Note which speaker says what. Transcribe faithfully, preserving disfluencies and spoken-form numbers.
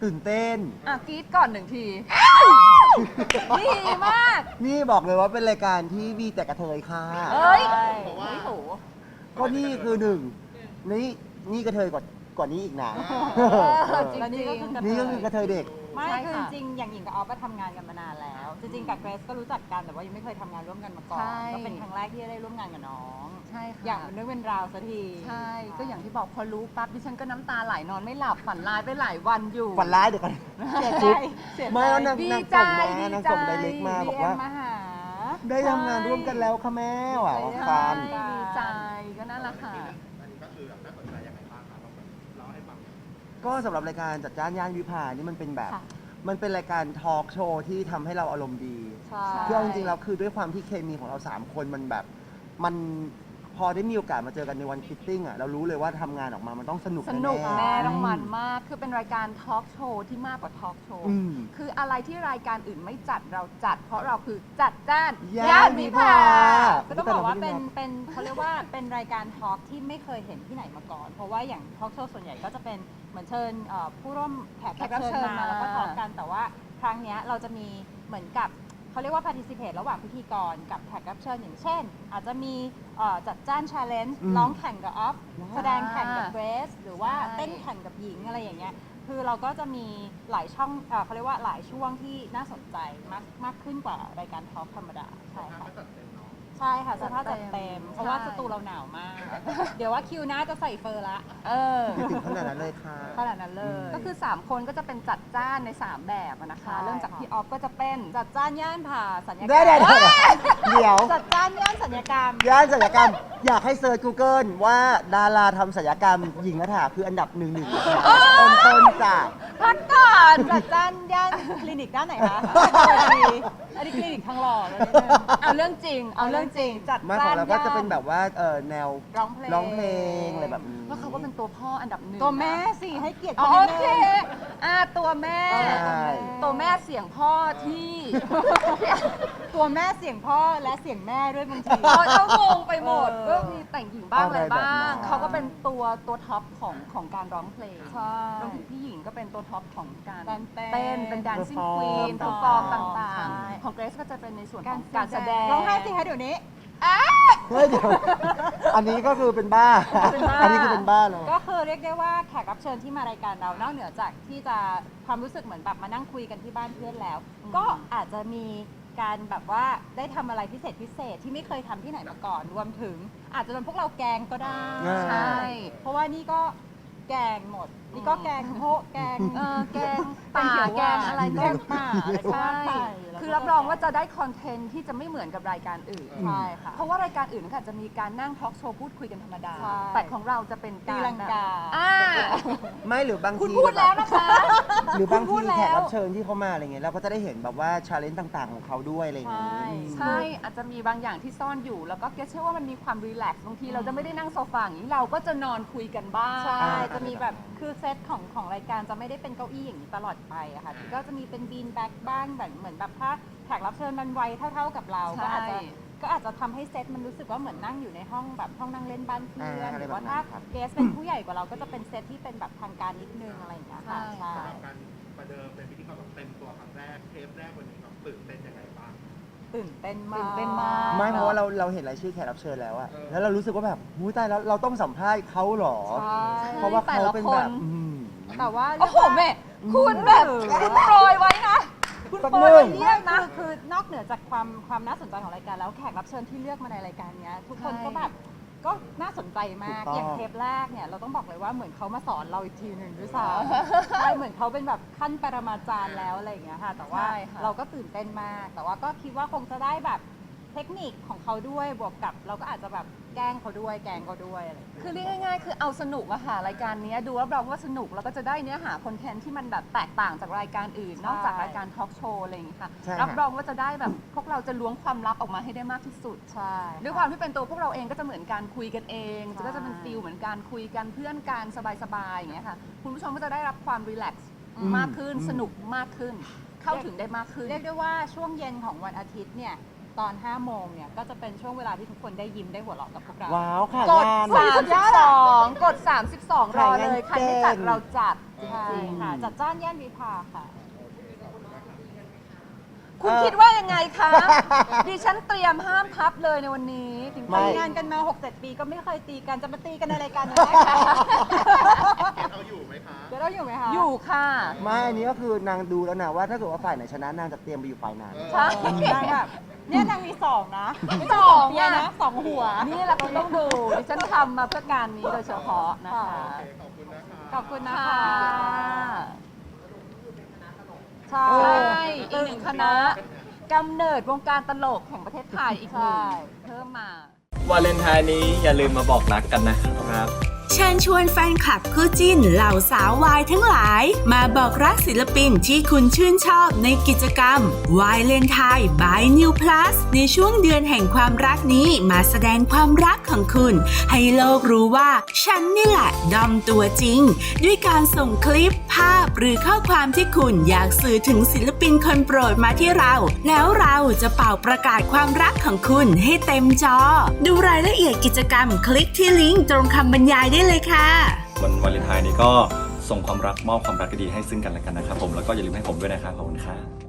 Speaker 1: ตื่นเต้น
Speaker 2: อ่ะกรี๊ดก่อนหนึ่งทีดีมาก
Speaker 1: นี่บอกเลยว่าเป็นรายการที่มีแต่กระเทยค่ะ
Speaker 2: เอ้ย
Speaker 3: บอกว่า
Speaker 2: ไม่โห
Speaker 1: ก็นี่คือหนึ่งนี่นี่กระเทยกว่ากว่านี้อีกนะ
Speaker 2: จริง
Speaker 4: แล้วนี่ก็คือกระเทย
Speaker 1: นี่ก็คือกระเทยเด็ก
Speaker 4: ไม่
Speaker 2: ใช่
Speaker 4: คือ
Speaker 2: ค่ะ
Speaker 4: จริงๆอย่างหญิงกับออฟก็ทำงานกันมานานแล้ว จริงๆกับเกรซก็รู้จักกันแต่ว่ายังไม่เคยทำงานร่วมกันมาก่อน
Speaker 2: ใช่
Speaker 4: ก็เป็นครั้งแรกที่ได้ร่วมงานกับน้อง
Speaker 2: ใช่ค่ะ
Speaker 4: อย่างเป็นเรื่องเป็นราวสักที
Speaker 2: ใช่ก็อย่างที่บอกพอรู้ปั๊บดิฉันก็น้ำตาไหลนอนไม่หลับฝันร้ายไปหลายวันอยู่
Speaker 1: ฝันร้ายเดี๋ยวก่อน
Speaker 4: เสียใจเสียใจ
Speaker 1: ไม่แล้วนาง
Speaker 2: ดี
Speaker 1: นาง
Speaker 2: ใจ
Speaker 1: ส่งมา
Speaker 2: ดี
Speaker 1: นาง
Speaker 2: ใจ
Speaker 1: ส่งไดเรกมาบอกว่า
Speaker 4: ดีเอ็มมาหา
Speaker 1: ได้ทำงานร่วมกันแล้วค่ะแม่ว่ะว่า
Speaker 2: ใช่
Speaker 1: ฟัน
Speaker 2: ดีใจก็นั่นแหละค่ะ
Speaker 3: อันนี้ก็คือแบบน่าสนใจยังไงบ้างครับลองแบบเล่าให้ฟัง
Speaker 1: ก็สำหรับรายการจัดจ้านย่านวิภานี่มันเป็นแบบ
Speaker 4: ค่ะ
Speaker 1: มันเป็นรายการทอล์กโชว์ที่ทำให้เราอารมณ์ดี
Speaker 4: ใช่
Speaker 1: คือเอาจริงๆแล้วคือด้วยความที่เคมีของเราสามคนมันแบบมันพอได้มีโอกาสมาเจอกันในวันฟิตติ้งอ่ะเรารู้เลยว่าทำงานออกมามันต้องสนุก
Speaker 2: สนุก
Speaker 1: ๆ
Speaker 2: แน่ต้องมันมาก คือเป็นรายการทอล์กโชว์ที่มากกว่าทอล์กโชว์
Speaker 1: อืม
Speaker 2: คืออะไรที่รายการอื่นไม่จัดเราจัด เพราะเราคือจัดจ้าน
Speaker 1: ย่านวิภา
Speaker 4: ก็ต้องบอกว่าเป็นเป็นเขาเรียกว่าเป็นรายการทอล์กที่ไม่เคยเห็นที่ไหนมาก่อน เพราะว่าอย่างทอล์กโชว์ส่วนใหญ่ก็จะเป็นเหมือนเชิญเอ่อผู้ร่วมแขกรับเชิญมาแล้วก็ทอล์กกันแต่ว่าครั้งเนี้ยเราจะมีเหมือนกับเขาเรียกว่า participate ระหว่างพิธีกรกับแขกรับเชิญอย่างเช่น อาจจะมีเอ่อจัดจ้าน challenge
Speaker 1: อืม
Speaker 4: ร้องแข่งกับออฟ
Speaker 1: ว้าว
Speaker 4: แสดงแข่งกับเกรซหรือว่า
Speaker 2: ใช่
Speaker 4: เต้นแข่งกับหญิงอะไรอย่างเงี้ยคือเราก็จะมีหลายช่องเอ่อเขาเรียกว่าหลายช่วงที่น่าสนใจมากมากขึ้นกว่ารายการทอล์กธรรมดาใช่ค่ะ
Speaker 3: ก็จัดเต็มเนาะ
Speaker 4: ใช่ค่ะเสื้อผ้าจัดเต็ม เพราะว่า
Speaker 2: ใช่
Speaker 4: สตูเราหนาวมาก เดี๋ยวว่าคิวหน้าจะใส่เฟอร์ละ
Speaker 2: เออ
Speaker 1: ไม่ถึงขนาดนั้นเลยค่ะ
Speaker 4: ขนาดนั้นเลย
Speaker 2: ก็คือ สาม คนก็จะเป็นจัดจ้านใน สาม แบบอะนะคะ
Speaker 4: ใช่
Speaker 2: เริ่มจาก
Speaker 4: ค่ะ
Speaker 2: พี่ออฟก็จะเป็น
Speaker 4: จัดจ้านย่านผ่าสัญญกร
Speaker 1: ได้
Speaker 4: ร
Speaker 1: ได้
Speaker 4: ม
Speaker 1: ได้เดี๋ยว
Speaker 4: จัดจ้านย่านสัญญกรรม
Speaker 1: ย่านศัลยกรรม อยากให้เซิร์ช Google ว่าดาราทำศัลยกรรมหญิงกระถาคืออันดับหนึ่งหนึ่งต้นต้นๆจ้ะ
Speaker 2: พักก่อน
Speaker 4: จัดจ้านย่านคลินิกด้านไหนคะอันนี้คลินิกทางหล่อเลยนิดนึง
Speaker 2: เอาเรื่องจริง เอาเรื่องจริง
Speaker 4: จัด
Speaker 1: มาข
Speaker 4: จ้า
Speaker 1: อง
Speaker 4: น
Speaker 1: เราก็จะ
Speaker 4: ย่าน
Speaker 1: เป็นแบบว่าเออแนว
Speaker 4: ร้องเพลง
Speaker 1: ร้องเพลงอะไรแบบนี้
Speaker 2: ว่าเขาก็เป็นตัวพ่ออันดับหนึ่ง
Speaker 4: ตัวแม่
Speaker 2: นะ
Speaker 4: สิให้เกียรติ
Speaker 2: อ๋อ
Speaker 4: ขา
Speaker 2: โอ
Speaker 4: นิด
Speaker 2: เค
Speaker 4: นึง
Speaker 2: อ่าตัวแม่
Speaker 4: ใช่
Speaker 2: ตัวแม่เสียงพ่อที่
Speaker 4: ตัวแม่เสียงพ่อและเสียงแม่ด้วยบางที
Speaker 2: เขาเขางงไปหมด
Speaker 4: เออ
Speaker 2: ก็มีแต่งหญิงบ้างอะไรบ้าง
Speaker 1: อะไรแบบนั้น
Speaker 2: เขาก็เป็นตัวตัวท็อปของของการร้องเพลง
Speaker 4: ใช่
Speaker 2: รวมถึงพี่หญิงก็เป็นตัวท็อปของการ
Speaker 4: การเต้น
Speaker 2: เต้นเป็น dancing
Speaker 1: perform
Speaker 2: queen
Speaker 1: ต่างๆ
Speaker 2: perform ต่าง
Speaker 4: ใช่
Speaker 2: ๆ ของเกรซก็จะเป็นในส่วนข
Speaker 4: กา
Speaker 2: อ
Speaker 4: รง
Speaker 2: การแสดง
Speaker 4: ร้องไห้สิคะเดี๋ยวนี้
Speaker 1: เฮ้ยเดี๋ยวอันนี้ก็คือเป็นบ้า
Speaker 2: เป็นบ้า
Speaker 1: อันนี้คือเป็นบ้าเลย
Speaker 4: ก็คือเรียกได้ว่าแขกรับเชิญที่มารายการเรานอกเหนือจากที่จะความรู้สึกเหมือนแบบมานั่งคุยกันที่บ้านเพื่อนแล้ว ก็อาจจะมีการแบบว่าได้ทำอะไรพิเศษพิเศษที่ไม่เคยทำที่ไหนมาก่อน รวมถึงอาจจะโดนพวกเราแกล้งก็ได้
Speaker 1: อ่า
Speaker 2: ใช่
Speaker 4: เพราะว่านี่ก็แกงหมด นี่ก็แกงโพะแกง
Speaker 2: เออแกงป่าแกงอะไร
Speaker 4: แก
Speaker 2: ก็
Speaker 4: งป่าอะไรก็
Speaker 2: ใช่
Speaker 4: ว่าไปแล้วก็
Speaker 2: คือรับรองว่าจะได้คอนเทนต์ที่จะไม่เหมือนกับรายการอื่น
Speaker 4: ใช่ค่ะ
Speaker 2: เพราะว่ารายการอื่นค่ะจะมีการนั่งทอล์กโชว์พูดคุยกันธรรมดา
Speaker 4: ใช่
Speaker 2: แต่ของเราจะเป็นการ
Speaker 4: ตีลังกา
Speaker 2: อ่า
Speaker 1: ไม่หรือบางที
Speaker 2: คุณพูดแล้วนะคะ
Speaker 1: หรือบาง
Speaker 2: คุณพู
Speaker 1: ที
Speaker 2: ดแล้ว
Speaker 1: แขกรับเชิญที่เขามาอะไรเงี้ยเราก็จะได้เห็นแบบว่าชาเลนจ์ต่าง ๆ ของเขาด้วยอะไรอย่างงี้
Speaker 4: ใช่
Speaker 1: อืม
Speaker 2: ใช่อาจจะมีบางอย่างที่ซ่อนอยู่ แล้วก็เกรซเชื่อว่ามันมีความรีแลกซ์บางทีเราจะไม่ได้นั่งโซฟาอย่างนี้เราก็จะนอนคุยกันบ้าง
Speaker 4: ใช่
Speaker 1: อ่า
Speaker 4: จะมีแบบคือเซตของของรายการจะไม่ได้เป็นเก้าอี้อย่างนี้ตลอดไปอะค่ะก็จะมีเป็นบีนแบ็กบ้างแบบเหมือนแบบถ้าแขกรับเชิญมันวัยเท่า ๆกับเรา
Speaker 2: ใช่
Speaker 4: ก็อาจจะก็อาจจะทำให้เซตมันรู้สึกว่าเหมือนนั่งอยู่ในห้องแบบห้องนั่งเล่นบ้านเพื่อน
Speaker 1: อ่าอะไร
Speaker 4: หรือ
Speaker 1: แบบ
Speaker 4: ว่า
Speaker 1: นั้น
Speaker 4: ถ้า
Speaker 1: ครับ
Speaker 4: เกสเป็นผู้ใหญ่กว่าเราก็จะเป็นเซตที่เป็นแบบทางการนิดนึงอะไรอย่างเงี้ยค่ะ
Speaker 2: ใช่
Speaker 4: ใช่
Speaker 3: สำหรับการประเดิมเป็นพิธีกรแบบเต็มตัวครั้งแรกเทปแรกวันนี้แบบตื่นเต้นยังไงบ้าง
Speaker 4: ตื่นเต้นมาก
Speaker 2: ตื่นเต้นมาก
Speaker 1: ไม่เพราะว่าเราเราเห็นรายชื่อแขกรับเชิญแล้วอะ
Speaker 3: เออ
Speaker 1: แล้วเรารู้สึกว่าแบบหูยตายแล้วเราต้องสัมภาษณ์เขาเหรอ
Speaker 4: ใช่
Speaker 1: เพราะว่าเขาเป็นแบบ
Speaker 2: แต่ละคน
Speaker 1: อืม
Speaker 4: แต่ว่า
Speaker 2: โอ้โหแม่คุณแบบคุณโปรยไว้นะ คุณ
Speaker 1: แป๊บ
Speaker 2: โปรย
Speaker 1: นึ
Speaker 2: ไว้
Speaker 1: ง
Speaker 2: เยี่ยมนะ
Speaker 4: คือคือนอกเหนือจากความความน่าสนใจของรายการแล้วแขกรับเชิญที่เลือกมาในรายการเนี้ยทุกคน
Speaker 2: ใช่
Speaker 4: ก็แบบก็น่าสนใจมาก
Speaker 1: ถูกต้อง
Speaker 4: อย่างเทปแรกเนี่ยเราต้องบอกเลยว่าเหมือนเขามาสอนเราอีกทีหนึ่งด้วยซ้ำ ใช่เหมือนเขาเป็นแบบขั้นปรมาจารย์แล้วอะไรอย่างเงี้ยค่ะ แต่ว่า
Speaker 2: ใช่ค่ะ
Speaker 4: เราก็ตื่นเต้นมาก แต่ว่าก็คิดว่าคงจะได้แบบเทคนิคของเขาด้วยบวกกับเราก็อาจจะแบบแกล้งเขาด้วยแกล้งเขาด้วยอะไรอย่างเงี้ย
Speaker 2: คือเรียกง่ายๆ คือเอาสนุกอะค่ะรายการเนี้ยดูรับรองว่าสนุกแล้วก็จะได้เนื้อหาคอนเทนต์ที่มันแบบแตกต่างจากรายการอื่น
Speaker 4: ใช่
Speaker 2: นอกจากรายการทอล์กโชว์อะไรอย่างงี้ค่ะ
Speaker 1: ใช่ค่ะ
Speaker 2: รับรองว่าจะได้แบบพวกเราจะล้วงความลับออกมาให้ได้มากที่สุด
Speaker 4: ใช่
Speaker 2: ด้วยความที่เป็นตัวพวกเราเองก็จะเหมือนการคุยกันเอง
Speaker 4: ใช่
Speaker 2: ก็จะเป็นฟิลเหมือนการคุยกันเพื่อนกันสบายๆอย่างเงี้ยค่ะคุณผู้ชมก็จะได้รับความรีแลกซ์
Speaker 1: อืม
Speaker 2: มากขึ้น
Speaker 1: อืม
Speaker 2: สนุกมากขึ้น เข้าถึงได้มากขึ้น
Speaker 4: เรียกได้ว่าช่วงเย็นของวันอาทิตย์เนี่ยตอนห้าโมงเนี่ยก็จะเป็นช่วงเวลาที่ทุกคนได้ยิ้มได้หัวเราะกับพวกเรา
Speaker 1: ว้าวค่ะ
Speaker 2: กด
Speaker 1: งาน
Speaker 2: สามสิบสองกดสามสิบสองรอเลย ใครไม่จัดเราจัดจ
Speaker 4: ใช่
Speaker 2: ริงๆ
Speaker 4: ค่ะจัดจ้านย่านวิภาค่ะ
Speaker 2: คุณคิดว่ายังไงคะ ดิฉันเตรียมห้ามทับเลยในวันนี้จริงๆ
Speaker 1: ไม่
Speaker 4: ทำงานกันมา หกเจ็ด ปีก็ไม่เคยตีกันจะมาตีกันในรายการนี้ได้ค่ะ
Speaker 3: เอาอยู่ไหมคะ
Speaker 4: เดี๋ยวเราอยู่ไหมคะ
Speaker 2: อยู่ค่ะ
Speaker 1: ไม่อันนี้ก็คือนางดูแล้วนะว่าถ้าเกิดว่าฝ่ายไหนชนะนางจะเตรียมไปอยู่ฝ่ายนั้น
Speaker 2: ใช่
Speaker 4: นางแบบเนี่ยนางมีสองนะ
Speaker 2: สอง
Speaker 4: เปีย
Speaker 2: อะ
Speaker 4: นะสองหัว
Speaker 2: นี่แหละคุณต้องดูดิฉันทำมาเพื่อการนี้โดยเฉพาะนะคะ
Speaker 3: โอเคขอบคุณนะคะ
Speaker 4: ขอบคุณนะ
Speaker 2: ค่ะ
Speaker 4: คะใช่
Speaker 2: ใช่อีกหนึ่งคณะกำเนิดวงการตลกแห่งประเทศไทยอีกหนึ่ง
Speaker 4: ใช่
Speaker 2: เพิ่มมา
Speaker 5: วาเลนไทน์นี้อย่าลืมมาบอกรักกันนะครับ
Speaker 6: เชิญชวนแฟนคลับคู่จิ้นเหล่าสาววายทั้งหลาย มาบอกรักศิลปินที่คุณชื่นชอบในกิจกรรม วาเลนไทน์ by New Plus ในช่วงเดือนแห่งความรักนี้มาแสดงความรักของคุณ ให้โลกรู้ว่า ฉันนี่แหละดอมตัวจริง ด้วยการส่งคลิปภาพหรือข้อความที่คุณอยากสื่อถึงศิลปินคนโปรดมาที่เรา แล้วเราจะเป่าประกาศความรักของคุณให้เต็มจอ ดูรายละเอียดกิจกรรมคลิกที่ลิงก์ตรงคำบรรยายได้เลยค่ะ
Speaker 5: วันวาเลนไทน์นี้ก็ส่งความรักมอบความรักดีๆให้ซึ่งกันและกันนะครับผมแล้วก็อย่าลืมให้ผมด้วยนะครับขอบคุณครับ